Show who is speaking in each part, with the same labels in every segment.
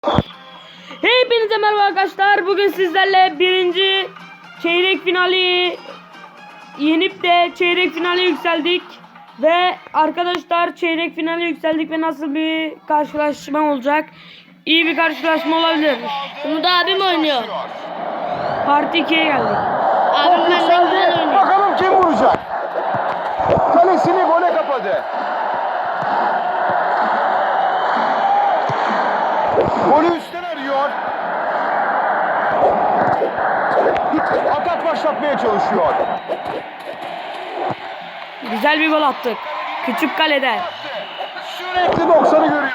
Speaker 1: Hepinize merhaba arkadaşlar. Bugün sizlerle birinci çeyrek finali yenip de çeyrek finale yükseldik. Ve arkadaşlar çeyrek finale yükseldik ve nasıl bir karşılaşma olacak? İyi bir karşılaşma olabilir.
Speaker 2: Bunu da abim oynuyor.
Speaker 1: Parti 2'ye geldik.
Speaker 2: Abim benden güzel oynuyor.
Speaker 3: Bakalım kim vuracak? Kalesini gole kapadı. Golü üstten arıyor. Atak başlatmaya çalışıyor.
Speaker 1: Güzel bir gol attık. Küçük kaleden.
Speaker 3: Sürekli 90'ı görüyor.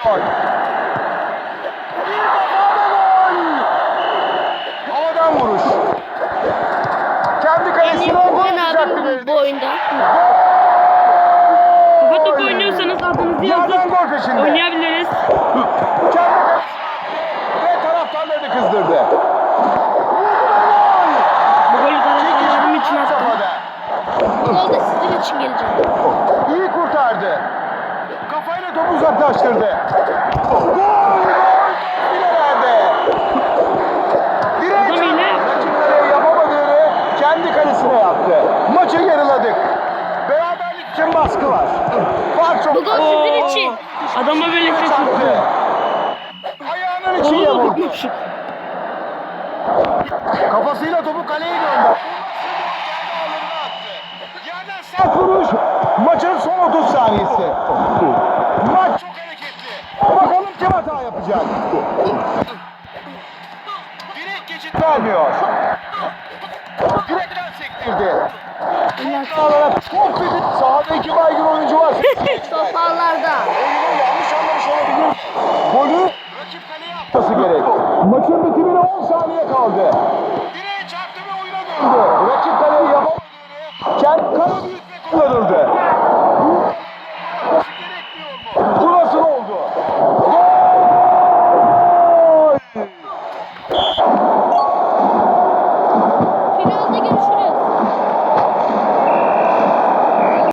Speaker 3: Bir defa da gol. Havadan vuruş. Kendi
Speaker 2: En iyi
Speaker 3: kalesine gol
Speaker 2: kullanan
Speaker 3: atacaktı
Speaker 2: abim
Speaker 3: belli.
Speaker 2: bu oyunda.
Speaker 1: Kafa topu oynuyorsanız adınızı
Speaker 3: Yerden
Speaker 1: yazıp
Speaker 3: gol peşinde.
Speaker 1: oynayabiliriz.
Speaker 3: Kendi kalesine ve taraftarlarını kızdırdı.
Speaker 1: Bu golü taraftarlarım için attım.
Speaker 2: Bu gol da sizin için gelecek.
Speaker 3: İyi kurtardı. Kafayla topu uzaklaştırdı. Gol! Filelerde. Direğe
Speaker 1: Adam yine-
Speaker 3: rakipleri yapamadığını kendi kalesine yaptı. Maçı yarıladık. Beraberlik için baskı var. Fark çok.
Speaker 2: Bu gol sizin için.
Speaker 1: Adama böyle şaşırttı.
Speaker 3: Çarptı. Ayağının içiyle
Speaker 1: Oğlum
Speaker 3: vurdu.
Speaker 1: tutmuş.
Speaker 3: Kafasıyla topu kaleye gönderdi. Yerden sert vuruş. Maçın son 30 saniyesi. Maç çok hareketli. Bakalım kim hata yapacak. Direkt geçit vermiyor. Direkten sektirdi. Alarak top dedi. Sahada iki baygın oyuncu var.
Speaker 2: Toparlarda.
Speaker 3: Oyunu yanlış anlamış olabilir. Golü rakip kaleye atması gerek. Maçın bitimine 10 saniye kaldı. Direkt